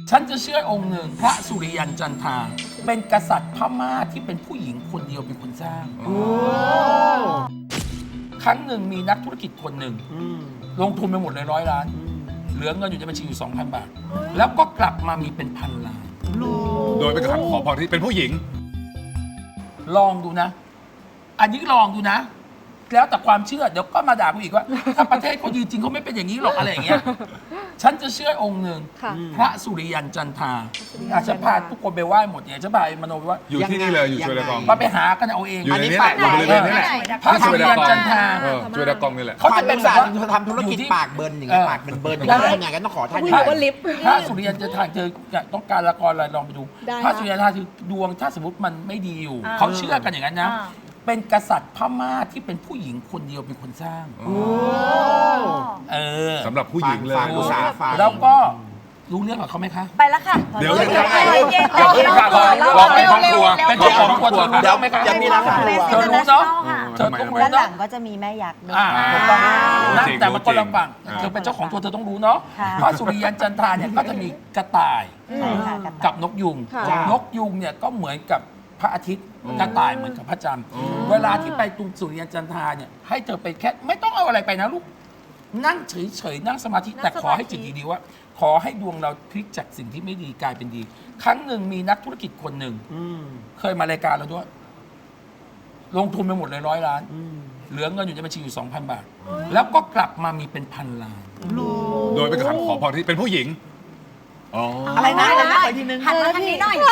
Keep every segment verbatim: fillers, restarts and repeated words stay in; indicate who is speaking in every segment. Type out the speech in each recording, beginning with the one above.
Speaker 1: ฉันจะเชื่อองค์หนึ่งพระสุริยันจันทราเป็นกษัตริย์พม่าที่เป็นผู้หญิงคนเดียวเป็นคนสร้างครั้งหนึ่งมีนักธุรกิจคนหนึ่งลงทุนไปหมดเลยร้อยล้านเหลือเงินอยู่ในบัญชีอยู่ สองพัน บาท แล้วก็กลับมามีเป็นพันล้าน
Speaker 2: โดยเป็นคำขอพรที่เป็นผู้หญิง
Speaker 1: ลองดูนะ อันนี้ลองดูนะ แล้วแต่ความเชื่อเดี๋ยวก็มาด่ากูอีกว่า ถ้าประเทศเขาดีจริงเขาไม่เป็นอย่างนี้หรอกอะไรอย่างเงี้ยฉันจะเชื่อองค์หนึ่งพระสุริยันจันทราอาจจะพาทุกคนไปไหว้หมดเนี่ยจะพามโนไปว่า
Speaker 2: อยู่ที่นี่เลยอยู่ช่วยดากอง
Speaker 1: มาไปหากันเอาเอง
Speaker 2: อยู่ในนี้แหละอยู่บริเวณนี้แหละ
Speaker 1: พระสุริยันจันทรา
Speaker 2: เออช่วยดากองนี่แหละ
Speaker 1: เขา
Speaker 3: เขา
Speaker 1: จะ
Speaker 3: จะ
Speaker 1: เป็
Speaker 3: เป็น น
Speaker 1: แบ
Speaker 3: แบบ บ
Speaker 1: ว่า
Speaker 3: ทำธุรกิจปากเบิร์นอย่างเงี้ยปากเบิร์นๆอย่างเงี้ยทำอย่างนั้นต้องขอท่าน
Speaker 1: พระ
Speaker 4: ว่าลิฟต์
Speaker 1: พระสุริยันจันทราเธอต้องการละครอะไรลองไปดู
Speaker 4: ได้
Speaker 1: พระ
Speaker 4: ค่ะ
Speaker 1: สุริยันจันทราคือดวงถ้าสมมติมันไม่ดีอยู่
Speaker 5: อ่า
Speaker 1: เขาเชื่อกันอย่างนั้นนะ
Speaker 5: อ่า
Speaker 1: เป็นกษัตริย์พม่าที่เป็นผู้หญิงคนเดียวเป็นคนสร้าง เออ
Speaker 2: สำหรับผู้หญิงเลย
Speaker 3: ฟังอุตสาห์ฟัง
Speaker 1: แล้วก็รู้เรื่องกับเขาไหมคะ
Speaker 5: ไปแล้วค่ะ
Speaker 2: เดี๋ยว
Speaker 5: เย็น
Speaker 2: เดี๋ยว
Speaker 5: ๆเย็นๆ
Speaker 2: เดี๋ยวเพิ่งค่ะรอรอไปห้องครัว
Speaker 1: เป็นเจ้าของครัวเธอ
Speaker 3: เดี๋ยว
Speaker 1: รู้ไหมคะ
Speaker 3: จะมีร้านครัว
Speaker 1: เธอรู้เนาะ
Speaker 5: ค่ะ
Speaker 1: เธอต้องรู้
Speaker 6: ด้านหลั
Speaker 1: เนาะ
Speaker 6: งก็จะมีแม่ยักษ์ด้วย
Speaker 1: อ่าถูกต้องนะ
Speaker 2: จริง
Speaker 1: แต่มันคนละฝั่ง
Speaker 2: จริง
Speaker 1: เธอเป็นเจ้าของทัวร์เธอต้องรู้เนาะ
Speaker 6: ค่ะ
Speaker 1: พระสุริยันจันทราเนี่ยก็จะมีกระต่าย
Speaker 6: ใช่ค่ะกัน
Speaker 1: กับนกยุง
Speaker 4: ค่ะ
Speaker 1: นกยุงเนี่ยก็เหมือนกับพระอาทิตย์กระต่ายเหมือนกับพระจันทร์เวลาที่ไปตรงสุริยันจันทราเนี่ยให้เธอไปแค่ไม่ต้องเอาอะไรไปนะลูกนั่งเฉยๆนั่งสมาธิแต่ขอให้จิตดีๆว่า ขอให้ดวงเราพลิกจากสิ่งที่ไม่ดีกลายเป็นดี ครั้งหนึ่งมีนักธุรกิจคนหนึ่งเคยมารายการเราด้วย ลงทุนไปหมดเลยร้อยล้านเหลือเงินอยู่ในบัญชีอยู่ สองพัน บาท แล้วก็กลับมามีเป็นพันล้าน
Speaker 2: โดยเป็นคำขอพรที่เป็นผู้หญิงอ๋อ
Speaker 3: อะไรนะอะไรนะขออีกทีนึง
Speaker 5: หันมาทางนี้หน่อย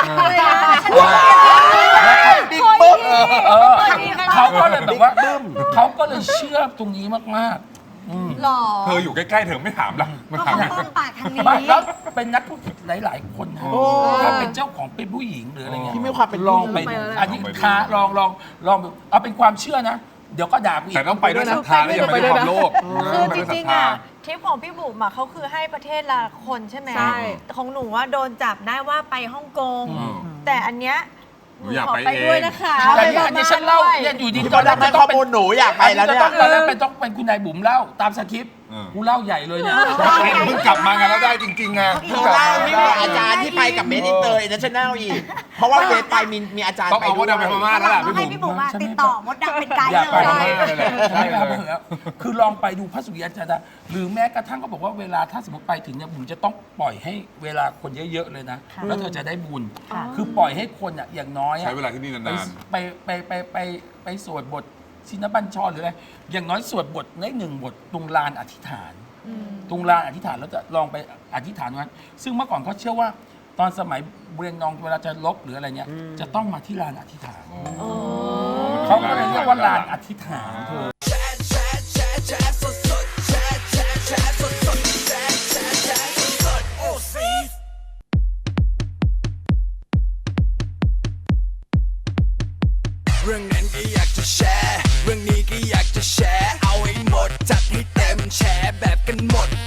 Speaker 3: บิ๊กปุ๊บ
Speaker 1: เออเขาก็เลยแบบว่าเขาก็เลยเชื่อตรงนี้มากๆอืม
Speaker 5: หล่อ
Speaker 2: เธออยู่ใกล้ๆเธอไม่ถามละมัน
Speaker 5: ก็
Speaker 2: ถาม
Speaker 5: คงต้องปากทางนี้
Speaker 1: ไม่แล้วเป็นนักธุรกิจหลาย ๆ คนนะถ้าเป็นเจ้าของเป็นผู้หญิงหรืออะไรเงี้ย
Speaker 3: ที่มีความเป็น
Speaker 1: ลองไป
Speaker 4: ไป
Speaker 1: ดู
Speaker 4: แล้ว
Speaker 1: อันนี้ค้าลองลองลองดูเอาเป็นความเชื่อนะ เดี๋ยวก็ด่ากูอีก
Speaker 2: แต่ต้องไปด้วยศรัทธาและอย่าไปด้วยความโลภ
Speaker 5: คือจ
Speaker 2: ไปด้วยศ
Speaker 5: ริ
Speaker 2: ท
Speaker 5: ง
Speaker 2: ธา
Speaker 5: ๆอ่ะทริปของพี่บุ๋มอ่ะเขาคือให้ประเทศละคนใช่ไหม
Speaker 4: ใช่
Speaker 5: แต่ของหนูว่าโดนจับได้ว่าไปฮ่องกง
Speaker 2: อืม
Speaker 5: แต่อันเนี้ย
Speaker 2: หนูอยาก
Speaker 5: ขอ
Speaker 2: ไป
Speaker 5: ไป
Speaker 2: เอง
Speaker 5: ด้วยนะคะ
Speaker 1: แต่เนี่ยอันนี้ฉันเล่าเนี่ยอยู่ดี
Speaker 3: ที่
Speaker 1: ต
Speaker 3: ต
Speaker 1: อ
Speaker 3: อน น
Speaker 1: แร
Speaker 3: แร
Speaker 1: ก
Speaker 3: ก
Speaker 1: ไม่
Speaker 3: ให้
Speaker 1: ต้
Speaker 3: ข้
Speaker 1: อ
Speaker 3: อง
Speaker 1: เป็น
Speaker 3: มูลหนูอยากไปแล้วเนี่ย
Speaker 1: ตอนแรกเป็นต้องเป็นคุณนายบุ๋มเล่าตามสคริปต์
Speaker 2: เออ
Speaker 1: กูเล่าใหญ่เลยเนี่ย
Speaker 2: เพิ่งกลับมากันแล้วได้จริงๆไง
Speaker 3: เธอเล่าไม่บอกอาจารย์ที่ไปกับเบสอินเตอร์อินเตอร์เนชั่นแนลอีก เพราะว่าเบสไปมีมีอาจารย์
Speaker 2: ต้อง
Speaker 3: ไป
Speaker 2: เอา
Speaker 3: ด้ว
Speaker 2: ว่าย ดำไปพม่าแล้วล่ะพี่
Speaker 5: ให้
Speaker 2: บุ๋ม
Speaker 5: พี่บุ๋มอ่ะติดต่อมดดำเป็นไกด์
Speaker 1: อยากไป
Speaker 5: เล
Speaker 1: พ
Speaker 5: ย
Speaker 1: ม่า
Speaker 2: เลย
Speaker 1: ใช่ไปแล้วคือลองไปดูพระสุริยันจันทราหรือแม้กระทั่งก็บอกว่าเวลาถ้าสมมติไปถึงเนี่ยบุ๋มจะต้องปล่อยให้เวลาคนเยอะๆเลยนะ แล้วเธอจะได้บุญ คือปล่อยให้คนอ่ะอย่างน้อยอะ
Speaker 2: ใช้เวลาที่นี่นาน
Speaker 1: ไปไปไปไปไปสวดบทชินบัญชรหรืออะไรอย่างน้อยสวดบทได้หนึ่งบทตรงลานอธิษฐานตรงลานอธิษฐานแล้วจะลองไปอธิษฐานตรงนั้นซึ่งเมื่อก่อนเขาเชื่อว่าตอนสมัยเรียนนองเวลาจะลบหรืออะไรเนี่ยจะต้องมาที่ลานอธิษฐานเขาก็เลยเรียกว่าลานอธิษฐานเธอ
Speaker 7: เรื่องนั้นก็อยากจะแชร์ เรื่องนี้ก็อยากจะแชร์ เอาให้หมดจัดให้เต็มแชร์แบบกันหมด